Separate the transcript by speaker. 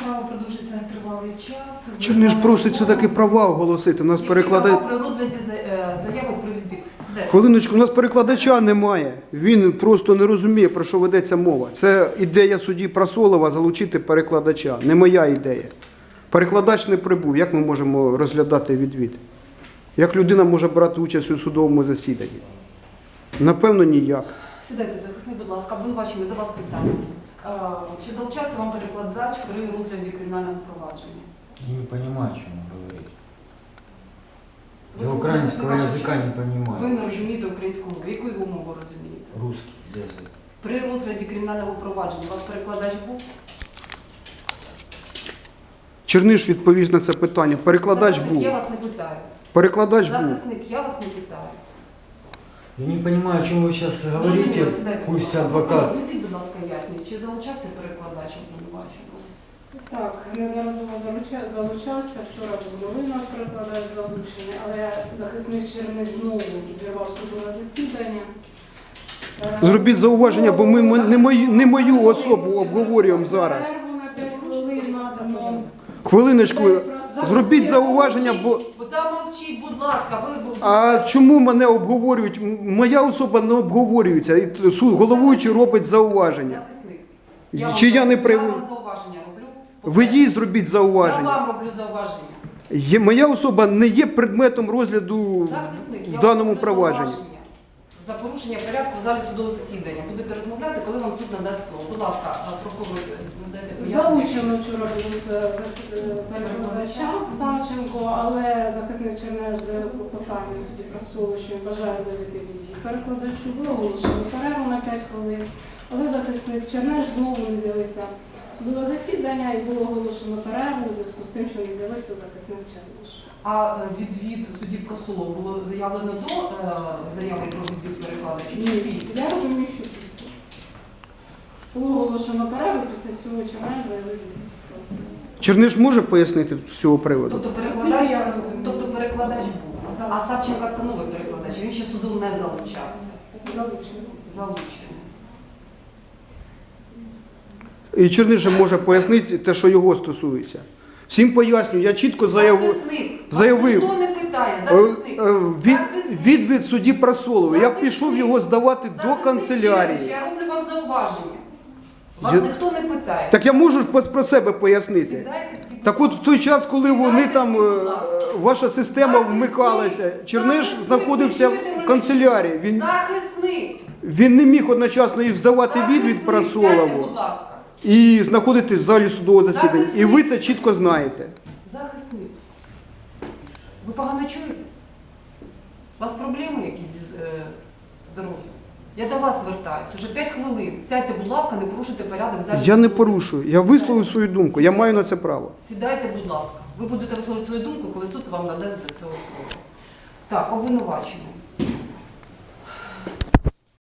Speaker 1: справа продовжиться тривалий час.
Speaker 2: Черниш просить все-таки права оголосити. Нас перекладає.
Speaker 1: При розгляді заяви про відвід. Сідайте.
Speaker 2: Хвилиночку, у нас перекладача немає. Він просто не розуміє, про що ведеться мова. Це ідея судді Прасолова залучити перекладача. Не моя ідея. Перекладач не прибув. Як ми можемо розглядати відвід? Як людина може брати участь у судовому засіданні? Напевно, ніяк.
Speaker 1: Сідайте, захисник, будь ласка, обвинувачений, до вас питання. Чи залучався вам перекладач при розгляді кримінального провадження?
Speaker 3: Я не понимаю, о чем он говорит.
Speaker 1: Ви
Speaker 3: Я
Speaker 1: слухаєте
Speaker 3: украинского
Speaker 1: захисника,
Speaker 3: языка не
Speaker 1: Ви
Speaker 3: понимаю.
Speaker 1: не розумієте українську мову. Яку його мову розумієте?
Speaker 3: Русский язык.
Speaker 1: При розгляді кримінального провадження у вас перекладач був?
Speaker 2: Черниш відповість на це питання. Перекладач
Speaker 1: Захисник,
Speaker 2: був.
Speaker 1: я вас не питаю.
Speaker 2: Перекладач був.
Speaker 1: Захисник, я вас не питаю.
Speaker 3: Я не понимаю, о чем вы сейчас говорите.
Speaker 1: Зрозуміло, сідайте, будь
Speaker 3: Пусть
Speaker 1: ласка.
Speaker 3: адвокат.
Speaker 1: Візіть, будь ласка, ясність. Чи залучався перекладач обвинуваченого?
Speaker 4: Так, неодноразово залучався. Вчора був новий наш перекладач залучений, але захисник Черниш знову зірвав судове засідання.
Speaker 2: Зробіть зауваження, бо ми не мою особу обговорюємо зараз.
Speaker 4: Перерву на 5 хвилин надамо.
Speaker 2: Хвилиночку, зробіть зауваження, бо...
Speaker 1: Замовчіть, будь ласка, ви...
Speaker 2: А чому мене обговорюють? Моя особа не обговорюється. І головуючий робить зауваження.
Speaker 1: Захисник.
Speaker 2: Чи я не
Speaker 1: Я
Speaker 2: привик?
Speaker 1: вам зауваження роблю.
Speaker 2: Ви їй зробіть
Speaker 1: Я
Speaker 2: зауваження.
Speaker 1: вам роблю зауваження.
Speaker 2: Моя особа не є предметом розгляду
Speaker 1: Захисник,
Speaker 2: в
Speaker 1: я
Speaker 2: даному
Speaker 1: вам роблю
Speaker 2: провадженні.
Speaker 1: зауваження. За порушення порядку в залі судового засідання. Будете розмовляти, коли вам суд надасть слово. Будь ласка, прокурор, надайте пояснення.
Speaker 4: Залучено вчора було з перекладача Савченко, але захисник Чернеш заявив клопотання судді Прасолу, що він бажає заявити відвід перекладачу. Було оголошено перерву на 5 хвилин, але захисник Чернеш знову не з'явився в судове засідання і було оголошено перерву у зв'язку з тим, що не з'явився захисник Чернеш.
Speaker 1: А відвід судді Прасолов було заявлено до заяви про відвід перекладача? Чи
Speaker 4: Ні,
Speaker 1: після?
Speaker 4: я розумію, що після. Було оголошено перерву, після цього Чернеш заявив відвід.
Speaker 2: Черниш може пояснити з цього приводу?
Speaker 1: Тобто перекладач,
Speaker 4: Я розумію.
Speaker 1: тобто перекладач був.
Speaker 4: Так.
Speaker 1: А Савченко це новий перекладач, він ще судом не залучався.
Speaker 4: Залучено.
Speaker 1: Залучений.
Speaker 2: І Черниш же може пояснити те, що його стосується. Всім пояснюю, я чітко заявив.
Speaker 1: Захисник, вас ніхто не питає. Захисник.
Speaker 2: Відвід судді Прасолова. Я пішов його здавати до
Speaker 1: Захисник
Speaker 2: канцелярії.
Speaker 1: Чернич, я роблю вам зауваження. Вас
Speaker 2: Я-
Speaker 1: ніхто не питає.
Speaker 2: Так я можу про себе пояснити.
Speaker 1: Сідайте всі.
Speaker 2: Так от в той час, коли вони там,
Speaker 1: Сідайте, будь ласка.
Speaker 2: ваша система
Speaker 1: Захисник,
Speaker 2: вмикалася, Черниш
Speaker 1: захисник,
Speaker 2: знаходився
Speaker 1: ви чуєте
Speaker 2: в
Speaker 1: мене?
Speaker 2: канцелярії.
Speaker 1: Захисник.
Speaker 2: Він не міг одночасно їх здавати відвід
Speaker 1: Захисник, сядьте,
Speaker 2: Прасолову
Speaker 1: будь ласка.
Speaker 2: і знаходитись в залі судового засідання. І
Speaker 1: Захисник.
Speaker 2: ви це чітко знаєте.
Speaker 1: Захисник. Ви погано чуєте? У вас проблеми якісь з здоров'ям? Я до вас звертаюсь. Уже 5 хвилин. Сядьте, будь ласка, не порушуйте порядок в залі.
Speaker 2: Я не
Speaker 1: судового
Speaker 2: порушую. Я висловив свою думку. Я маю на це право.
Speaker 1: Сідайте, будь ласка. Ви будете висловлювати свою думку, коли суд вам надасть до цього слова. Так, обвинувачення.